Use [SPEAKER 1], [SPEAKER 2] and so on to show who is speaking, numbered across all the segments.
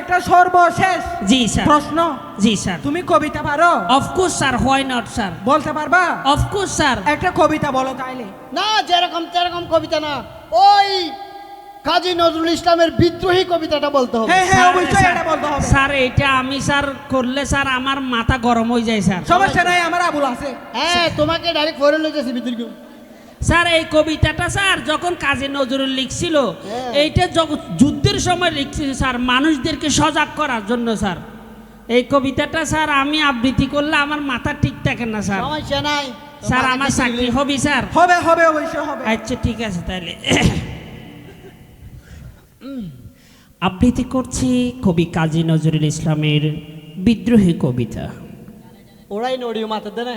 [SPEAKER 1] একটা সর্বশেষ
[SPEAKER 2] জি স্যার
[SPEAKER 1] প্রশ্ন।
[SPEAKER 2] জি স্যার
[SPEAKER 1] তুমি কবিতা পারো?
[SPEAKER 2] Of course sir, why not sir,
[SPEAKER 1] বলতে পারবা?
[SPEAKER 2] Of course sir.
[SPEAKER 1] একটা কবিতা বলো তাইলে।
[SPEAKER 3] না, যেরকম তেরকম কবিতা না, ওই কাজী নজরুল ইসলামের বিদ্রোহী কবিতাটা বলতে হবে।
[SPEAKER 1] হ্যাঁ হ্যাঁ,
[SPEAKER 2] স্যার,
[SPEAKER 1] অবশ্যই
[SPEAKER 2] স্যার,
[SPEAKER 1] এটা বলতে হবে।
[SPEAKER 2] স্যার এটা আমি স্যার করলে স্যার আমার মাথা গরম হয়ে যায় স্যার।
[SPEAKER 1] সমস্যা নাই, আমার আবুল আছে।
[SPEAKER 3] হ্যাঁ, তোমাকে ডাইরেক্ট ফরে লইতেছি বিদ্রোহী।
[SPEAKER 2] স্যার এই কবিতাটা স্যার যখন কাজী নজরুল লিখছিল,
[SPEAKER 3] হ্যাঁ।
[SPEAKER 2] এইটা যুদ্ধের সময় লিখছিল স্যার, মানুষদেরকে সজাগ করার জন্য স্যার। এই কবিতাটা স্যার আমি আবৃত্তি করলে আমার মাথা ঠিক থাকে না স্যার।
[SPEAKER 3] সমস্যা নাই
[SPEAKER 2] স্যার আমার চাকরি হবে স্যার?
[SPEAKER 1] হবে হবে, অবশ্যই হবে।
[SPEAKER 2] আচ্ছা ঠিক আছে তাহলে আবৃত্তি করছি কবি কাজী নজরুল ইসলামের বিদ্রোহী কবিতা।
[SPEAKER 3] ওরাই নড়িও মাথা দেয়।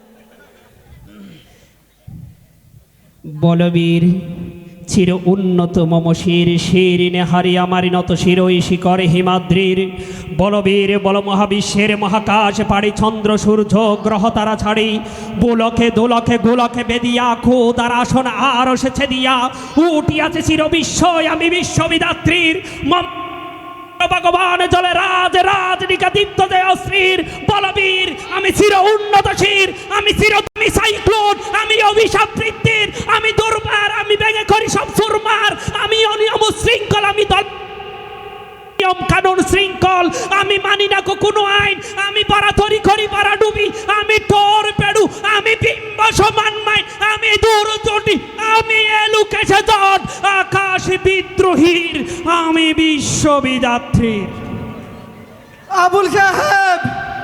[SPEAKER 2] বলবীর চির উন্নত মম শির শির নেহারি আমারি নত শিরই শিকরে হিমাদ্রির। বলবীর বল মহাবিশ্বের মহাকাশ পাড়ি চন্দ্র সূর্য গ্রহ তারা ছাড়ি। বুলকে দোলকে গোলকে বেদিয়া খোদার আসন আর এসেছে দিয়া। উঠিয়াছে চির বিস্ময় আমি বিশ্ববিদাত্রীর। ভগবান জলে রাজ রাজনিকা দীপ্ত জয় অশ্রীর। বলবীর আমি চির উন্নত শির, আমি চির তুমি সাইক্লোন, আমি অভিশাপ বৃত্তির, আমি দুর্বার, আমি ভেঙে করি সব সুরমার, আমি অনিয়ম শৃঙ্খল, আমি দল নিয়ম কানুন শৃঙ্খল, আমি মানি না কোনো আইন, আমি বাড়াতরি করি বাড়া ডুবি, আমি টোর পেড়ু, আমি বিম্ব সমানমাই, আমি দূর চটি, আমি এলুকেছে জট আকাশ বিদ্রোহীর, আমি বিশ্ববিদাত্রীর।
[SPEAKER 1] আবুল সাহেব,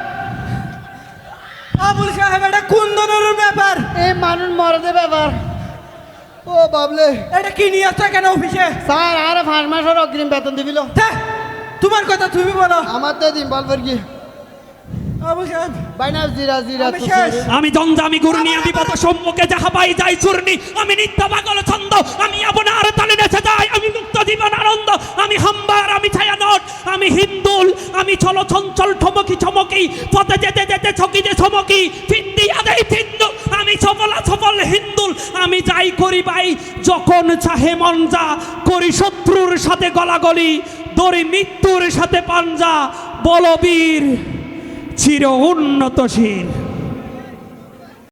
[SPEAKER 1] আবুল সাহেব, এটা কোন ধরনের ব্যাপার?
[SPEAKER 3] এই মানুষ মরদে ব্যাপার। ও বাবলে,
[SPEAKER 1] এটা কি নিয়ে আসছো কেন অফিসে?
[SPEAKER 3] স্যার আর 5 মাসের অগ্রিম বেতন দিবিল।
[SPEAKER 1] ধ্যাঃ, তোমার কথা তুমি বলো।
[SPEAKER 3] আমার তো দিন বলবার কি
[SPEAKER 1] আবুল সাহেব,
[SPEAKER 3] বাইনা জিরা জিরা
[SPEAKER 1] আমি শেষ।
[SPEAKER 2] আমি দ্বন্দ্ব, আমি ঘূর্ণি, আমি পথ সম্মুখে যাহা পাই যাই চূর্ণি, আমি নিত্য পাগল ছন্দ, আমি আপনার তালে নেচে যাই, আমি মুক্ত জীবন আনন্দ, আমি হাম্বার, আমি ছায়ানট, আমি হিন্দুল, আমি চলো চঞ্চল ঠমকি চমকি, পথে যেতে যেতে ছকিতে চমকি, ফিন্দি আদাই ফিন্দু, আমি সফলা সফল হিন্দুল, আমি যাই করি ভাই যখন চাহে মন যা, করি শত্রুর সাথে গলাগলি, দড়ি মৃত্যুর সাথে পাঞ্জা, বলবীর চির উন্নতশীল।